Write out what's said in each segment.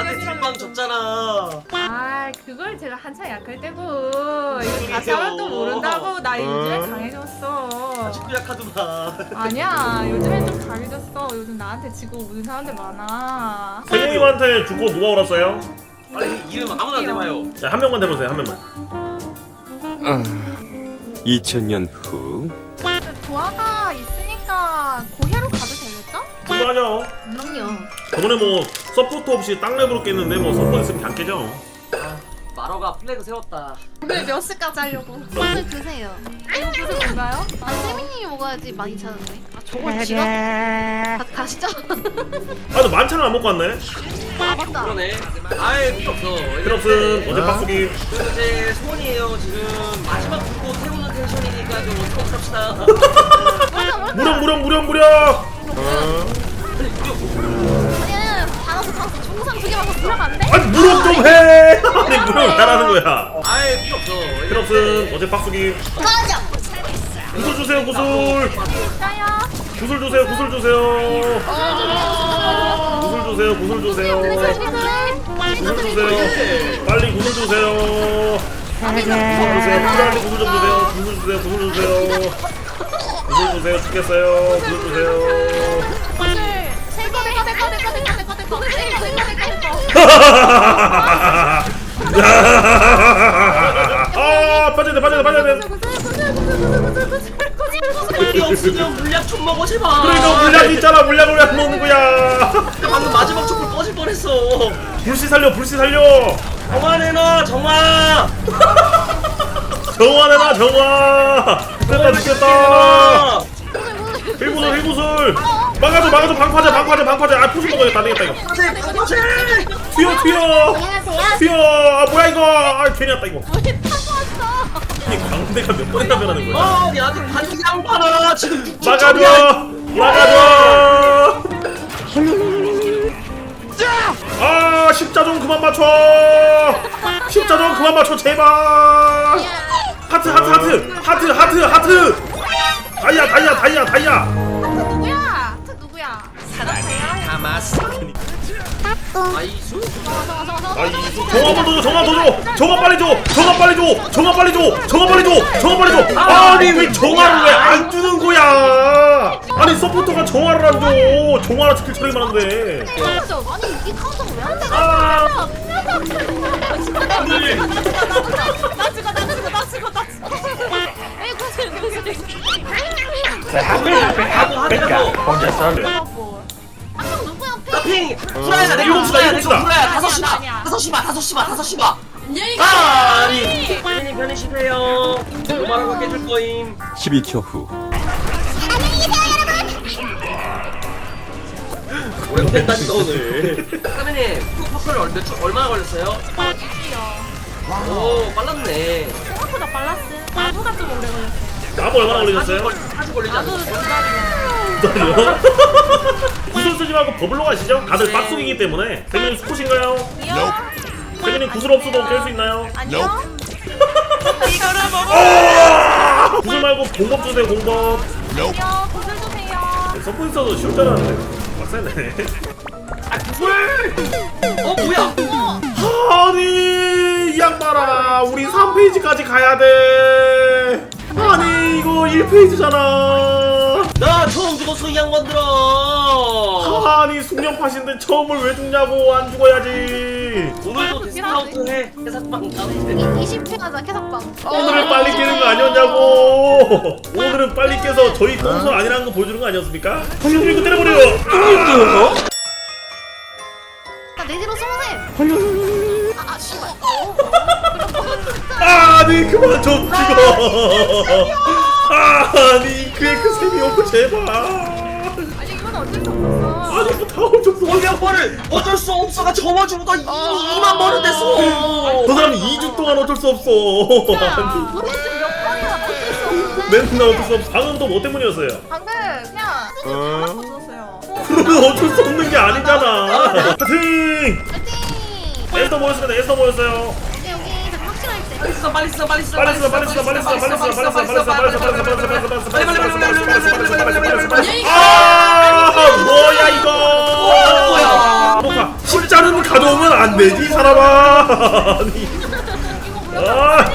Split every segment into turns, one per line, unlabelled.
나한테 뒷방 줬잖아.
아 그걸 제가 한창 약할 때고 이거 다시 하면 또 모른다고. 나 요즘에 강해졌어.
아직도 약하더만.
아니야 요즘엔 좀 강해졌어. 요즘 나한테 지고 오는 사람들 많아.
세경님한테 주고 누가 울었어요?
아니 이름 아무나 대봐요.
자, 한 명만 대보세요. 한 명만.
2000년 후
조화가 있으니까 고해로 가도 되겠죠?
충분하죠.
그럼요.
저번에 뭐 서포트 없이 땅랩으로 깼는데 뭐 서포트 있으면 그냥 깨죠.
마러가 플래그 세웠다.
오늘 몇 시까지 하려고? 오늘 드세요.
이거 무슨 건가요?
아, 세민님이 먹어야지 많이 차는데. 아, 저거 지갑? 가시죠?
아, 근데 만찬을 안 먹고 왔네.
아, 맞다.
그러네. 아예 필요 없어.
필요 없음. 어제 빡수기.
그 이제 소원이에요. 지금 마지막 듣고 태우는 텐션이니까 좀 어떻게 합시다.
무력.
아니야, 달아서 중상 두 개 먹고 들어가면 안 돼?
아니 무력 좀 해. 아니 무력 잘하는 거야.
아예 필요 없어.
필요 없음. 어제 빡수기.
꺼져!
구슬 주세요. 구슬.
있어요?
구슬 주세요. 구슬 주세요. 구슬 주세요. 구슬 주세요. 구슬 주세요. 빨리 구슬 주세요. 구슬 주세요. 필요한데 구슬 좀 주세요. 구슬 주세요. 구슬 주세요. 구슬 주세요. 죽겠어요. 구슬 주세요. 아, 빠져야 돼.
필이 없으면 물약 좀 먹어 제발.
그러니까 물약 있잖아. 물약을 왜 안 먹는 거야?
방금 마지막 촛불 꺼질 뻔했어.
불씨 살려.
정화내놔 정화.
정화내놔. 됐다 죽겠다. 힐구슬. 막아줘. 방파제. 아, 포션 먹어야겠다. 안 되겠다 이거. 튀어. 아, 뭐야 이거. 아, 괜히 왔다 이거.
왜 타고 왔어?
이 광대가 몇 번이나 변하는 거야?
아니 아직 반지 양파라 지금.
막아줘. 아, 십자 좀 그만 맞춰. 제발. 하트. 다이아.
누구야?
아이수.
정화 빨리 줘. 아니 왜 정화를 왜 안 주는 거야? 아니 서포터가 정화를 안 줘. 정화라 스킬 처리만 하는데.
아니, 이 카운터가 왜안 돼?
아,
에이, 구슬.
하고 하더라도.
아까 누구야?
나핑 후라이다 내
일곱 시다.
후라이야.
아니야.
5시 봐. 아니 선생님 편히쉬세요. 도마라고 깨줄 거임.
12초 후
오래됐다니까 오늘. 선생님 푸퍼를 얼마나 걸렸어요? 오 빨랐네.
생각보다 빨랐어. 나보다 좀 오래 걸렸어.
나무 얼마나 걸리셨어요?
40 걸리지 않았어?
기다려. 구슬 쓰지 말고 버블로 가시죠. 다들 빡속이기 때문에. 세민님 수컷인가요? 세민님 구슬 없어도 깰 수 있나요?
안녕?
구슬 말고 공법 주세요. 공법.
안녕? 구슬 주세요.
서포트 있어도 쉬울 줄 알았는데 빡세네.
아 구슬! 뭐야?
아니 이 양반아, 우리 3페이지까지 가야 돼. 아니 이거 1페이지잖아.
나 처음 죽었어 이 양반들아.
아니 숙련팟인데 처음을 왜 죽냐고. 안 죽어야지.
오늘도 디스카운트 해. 해삭방 나는데.
20회 하자, 캐삭방.
오늘은 빨리 깨는 거 아니었냐고. 오늘은 빨리 깨서 저희 똥손 아니라는 거 보여주는 거 아니었습니까? 형님 이거 때려버려.
나 내지로 쏘세. 씨발.
아니 그만 좀 죽어. 아니 그의 셈이 없고 제발.
아니 이건 어쩔 수 없어.
아니 뭐 다음 좀
이 양반을 어쩔 수 없어가 저마주고 나 2만 번은 됐어.
저 사람이 2주 동안 어쩔 수 없어. 아니,
몇 번이나 어쩔 수 없는데.
맨날 어쩔 수 없어. 방금 또 뭐 때문이었어요?
방금 그냥 하나도 줬어요.
그러면 어쩔 수 없는 게 아니잖아. 파이팅!
파이팅!
에스더 모였습니다. 에스더 모였어요.
여기 좀 확실할 때.
빨리 써.
아 뭐야 이거?
뭐야?
녹화 십자는 가져오면 안 되지 이 사람아. 아니. 아.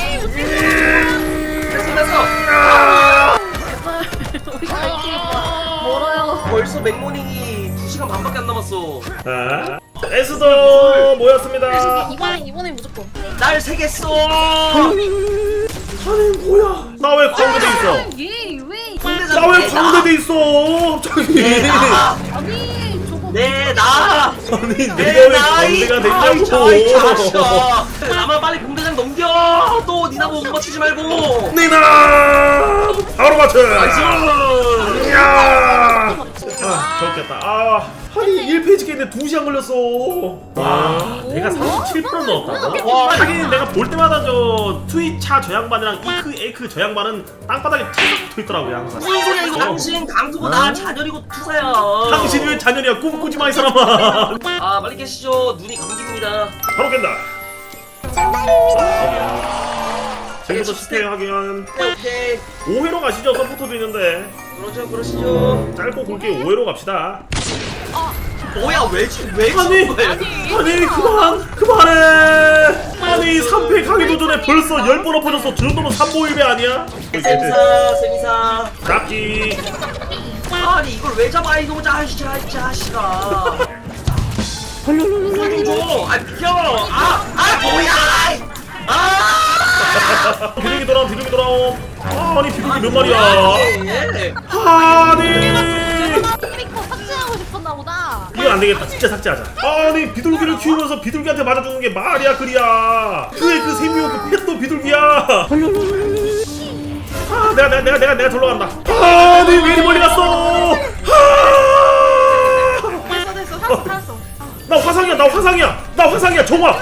우리가 갈 길이 멀어요.
벌써 맥모닝이 2시간 반밖에 안 남았어.
아. 에스더 모였습니다.
이번엔 무조건.
날 새겠어.
아니 뭐야? 나 왜 광대돼 있어?
얘 왜?
나 왜 광대돼 있어? 갑자기.
아니 저거.
내나
아니 내가 왜 광대가 됐냐고.
나만 빨리 공대장 넘겨. 또 니나 못 맞추지 말고.
니나 바로 맞춰.
나이스.
야. 아 좋겠다. 아니 1페이지 깨는데 2시간 걸렸어. 와 내가 37% 넣었다고?
와.
하긴 내가 볼 때마다 저 트위차 저 양반이랑 이크 에이크 저 양반은 땅바닥에 탁 붙어있더라고요 항상.
무슨 소리야 이거. 당신 강수고 나 잔열이고 투사야.
당신이 왜 자녀냐 꿈꾸지 마 이 사람아.
아 빨리 깨시죠. 눈이 감깁니다.
바로 깬다. 지금부터 스테이 하긴
오케이.
5회로 가시죠. 서포터도 있는데
그러시죠.
짧고 굵게 5회로 갑시다.
뭐야 왜
아니 그만해. 아니 3패 가기도 전에 벌써 10번 엎어졌어. 저 정도면 3보 1배 아니야?
세미사.
잡기.
아니 이걸 왜 잡아 이놈 자식아. 줘. 아 비켜. 뭐야.
비둘기 돌아옴. 아니 비둘기 몇 마리야?
예.
아니
스피커 삭제하고 싶었나 보다.
이건 안 되겠다. 진짜 삭제하자. 아니 비둘기를 키우면서 비둘기한테 맞아주는 게 말이야 그리야. 그 세미오 그 펫도 비둘기야. 내가 절로 간다. 아니 왜 이리 멀리 갔어?
됐어 살았어.
나 화상이야. 정화.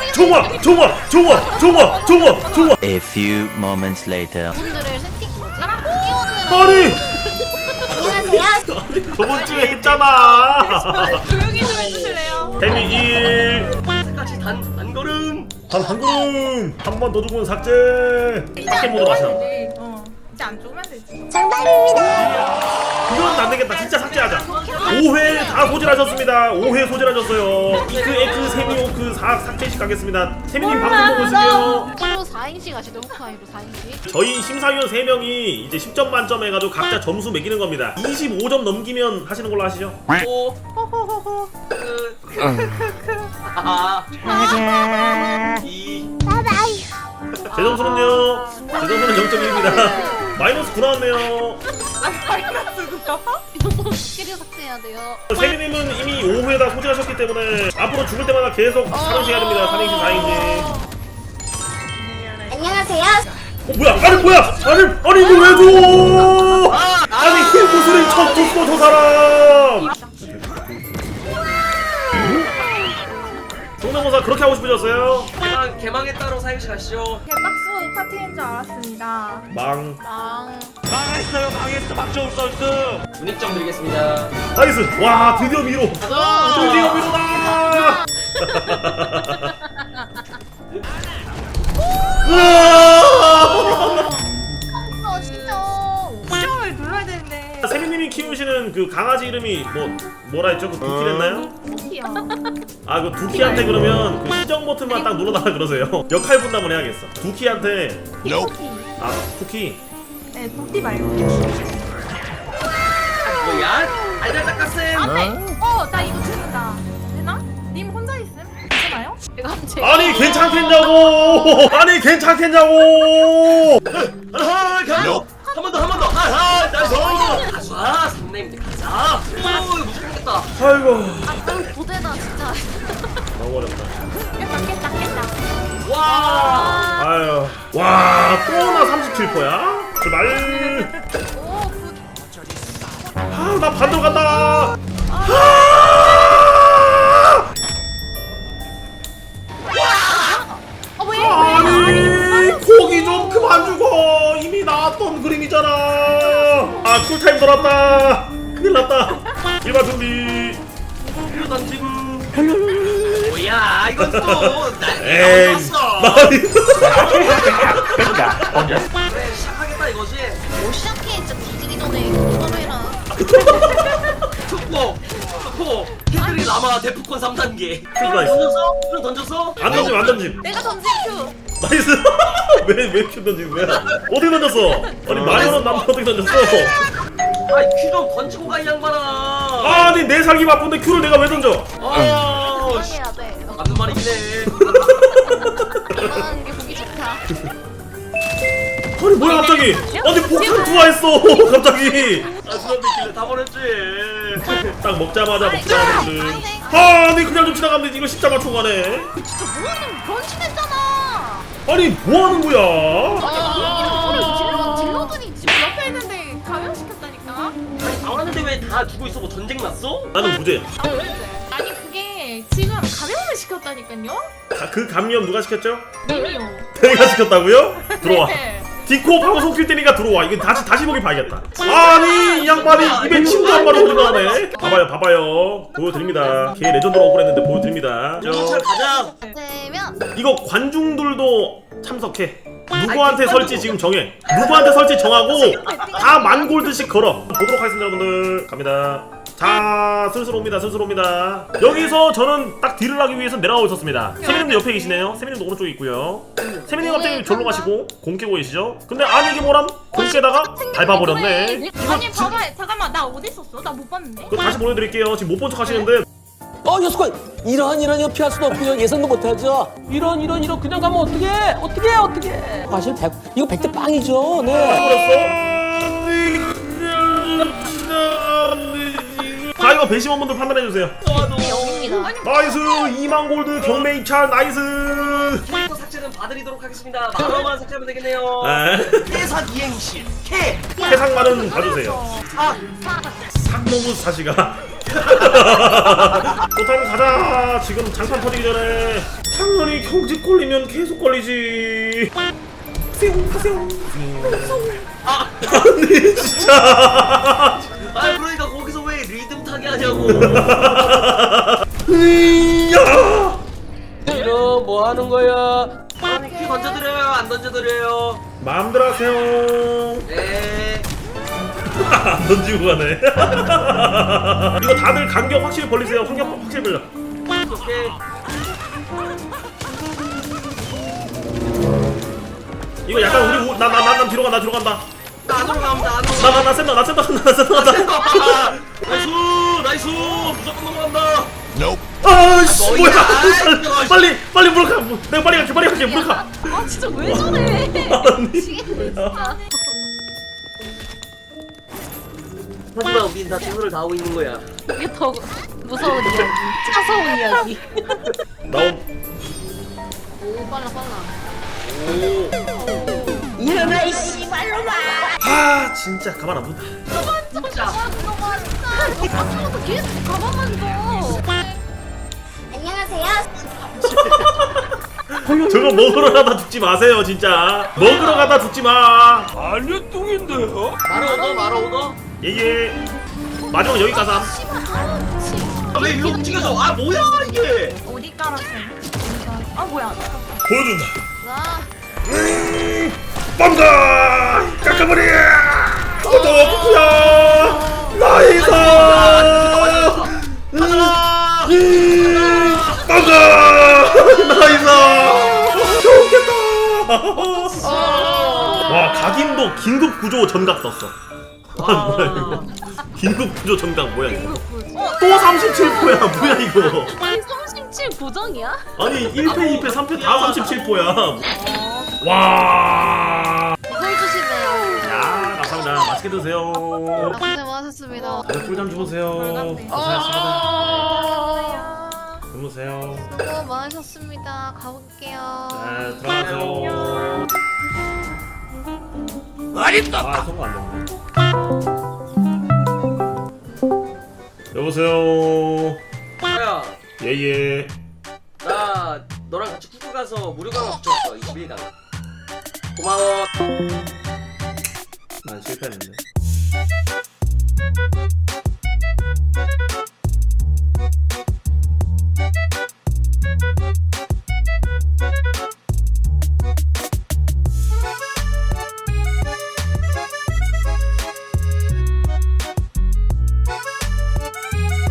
A few moments later.
분들을 세팅 뭐지?
아니 저번 주에 했잖아.
조용히 좀 해주실래요?
데미 1.
까지 단 걸음.
한 걸음. 한 번 더 주고는 삭제. 삭제 모드 마셔.
이제 안 죽으면 되지.
이건 안 되겠다. 진짜 삭제하자. 5회 다 소진하셨습니다. 5회 소진하셨어요. 이크 에크 세미오크 4 삭제씩 가겠습니다. 세미님 방송 보고 있으세요.
홀로 4인씩 하시죠. 후카이로 4인씩.
저희 심사위원 3명이 이제 10점 만점 해가지고 각자 점수 매기는 겁니다. 25점 넘기면 하시는 걸로 하시죠.
오.
호호호호.
이.
제 점수는요. 제 점수는 0.1입니다. 마이너스 9 나왔네요.
이거 스킬을 삭제해야 돼요.
세미님은 이미 5회다 소진하셨기 때문에 앞으로 죽을 때마다 계속 3행시 해야 됩니다. 3행시 4행시.
안녕하세요.
뭐야? 아니 이거 왜 줘? 아니 힐 구슬을 쳤어 저 사람. 성대모사 그렇게 하고 싶으셨어요?
개망에 따로 사행시 가시죠.
개박수 파티인 줄 알았습니다.
망.
문익점 드리겠습니다.
나이스. 와 드디어 미로. 드디어 미로다.
진짜.
시험을 눌러야 되는데.
세미님이 키우시는 그 강아지 이름이 뭐라 했죠? 그 두키랬나요?
토끼요.
아 그 두키한테 그러면 그 시정 버튼만 딱 눌러달라 그러세요. 역할 분담을 해야겠어. 두키한테.
토끼.
아 쿠키.
네 토끼 말고.
뭐야? 알잘 닦았음.
나 이거 듣는다. 되나? 님 혼자 있음? 괜찮아요?
제가 한번
아니 괜찮겠냐고. 아니 괜찮겠냐고.
한 번 더. 나이스. 가자. 선생님들 가자. 오, 이거 무섭겠다.
아이고
고대다 진짜.
너무 어렵다.
깼다.
와.
아유 와 또나 37%야? 제발.
오,
나 반대로 간다.
왜?
아니 고기 좀 그만 주고 이미 나왔던 그림이잖아. 아 쿨타임 돌았다. 큰일 났다. 일반 준비.
이거 던지고. 뭐야? 이건 또날
에이
왔어.
나
그래 시작하겠다 이거지.
못 시작해. 진짜 뒤지기 전에 그거 해라.
투포 캐들이 라마 데프콘 3단계.
나이스.
던졌어? 큐 던졌어?
안 던짐 안 던짐.
내가 던진 큐.
나이스. 왜큐 던지는 거야? 어떻게 던졌어? 아니 마리오는 남자 어떻게 던졌어?
아이 큐 좀 던지고 가 이 양반아.
아니 내 살기 바쁜데 큐를 내가 왜 던져?
아, 씨.
해야 돼.
맞는 말이긴 해.
아 이게 보기 좋다.
아니 뭐야 갑자기? 아니 폭탄 투하했어 갑자기.
아 수업이 길래 다 버렸지.
딱 먹자마자 아니 그냥 좀 지나가면 이거 진짜 맞춰 가네.
진짜 뭐하는 변신했잖아.
아니 뭐 하는 거야?
딜러들이 지금
옆에 있는데 감염시켰다니까.
아니 나왔는데 왜 다 죽고 있어? 뭐 전쟁 났어?
나는 무죄야.
아니 그게 지금 감염을 시켰다니까요.
그 감염 누가 시켰죠?
님이요.
내가 시켰다고요? 들어와.
네.
디코 방송 킬 때니까 들어와. 이거 다시 보기 봐야겠다. 아니 이 양반이 입에 침도 한 마리 흘리고 하네. 봐봐요. 보여드립니다. 걔 레전드로 억울했는데 보여드립니다.
경찰 가자.
되면
이거 관중들도 참석해. 누구한테 설지 지금 정해. 누구한테 설지 정하고 다 만 골드씩 걸어. 보도록 하겠습니다 여러분들. 갑니다. 자 슬슬 옵니다. 여기서 저는 딱 딜을 하기 위해서 내려가고 있었습니다. 세미님도 옆에 계시네요. 세미님도 오른쪽에 있고요. 세미님 갑자기 절로 가시고 공 깨고 계시죠? 근데 아니 이게 뭐람? 공 깨다가 밟아버렸네.
아니 봐봐 잠깐만 나 어디 있었어? 나 못 봤는데.
그거 다시 보내드릴게요. 지금 못 본 척 하시는데
여수관 이런 이거 피할 수도 없고요. 예상도 못하죠. 이런 그냥 가면 어떻게 사실 이거 100대 빵이죠. 네.
자 이거 배심원분들 판단해주세요.
영입니다.
나이스 2만 골드 경매 입찰 나이스.
캐릭터 삭제는 봐드리도록 하겠습니다. 만원만 삭제하면 되겠네요. 해산 이행시 캐.
해상만은 봐주세요. 삭노무 사시가. 또타임 가자. 지금 장판 터지기 전에 당연히 경직 걸리면 계속 걸리지. 파세요. 아니 진짜.
아 그러니까 거기서 왜 리듬 타게 하냐고.
야.
이런 뭐 하는 거야?
아니 키 던져드려요 안 던져드려요?
마음대로 하세요.
네.
안 던지고 가네. 이거 다들 간격 확실히 벌리세요. 간격 확실히 벌려.
오케이.
이거 약간 우리 난 뒤로 간다.
나 안으로 갑니다. 안으로.
나 센다.
나이스 무조건 넘어간다.
아씨
뭐야.
뭐야. 빨리 물어 가. 내가 빨리 갈게 물어 가.
아 진짜 왜 저래? 미치겠네 진짜.
하지만 우린 다 최선을 다하고 있는 거야.
이게 더 무서운 이야기. 차서운 이야기.
나온.
오 빨라.
일어나 이
아 진짜 가만 안 둔다.
진짜.
앞으로도 계속 가만만 둬.
저거 먹으러 가다 죽지 마세요 진짜. 먹으러 가다 죽지 마.
말아 오더.
예예. 마지막 여기 가서.
왜 일로 움직여서? 아 뭐야 이게?
어디 깔았어? 아 뭐야?
보여준다.
자.
빵가 깎아버려. 구독이야. 나이스. 빵가 나이스. 좋겠다. 와 각인도 긴급 구조 전각 떴어. 뭐야 이거? 긴급 구조 전각 뭐야 이거? 또 37포야 뭐야 이거?
아니 37 고정이야?
아니 1패 2패 3패 다 37포야. 와.
이걸 주시네요.
야 감사합니다. 맛있게 드세요.
고생 많으셨습니다.
다들 꿀잠 주무세요. 고생하셨습니다. 주무세요.
수고 많으셨습니다. 가볼게요.
네 들어가세요. 아 성공 안 됐네. 여보세요.
야,
예예.
나 너랑 같이 쿠쿠 가서 무료강화 붙였어 21강. 고마워.
난 실패했는데.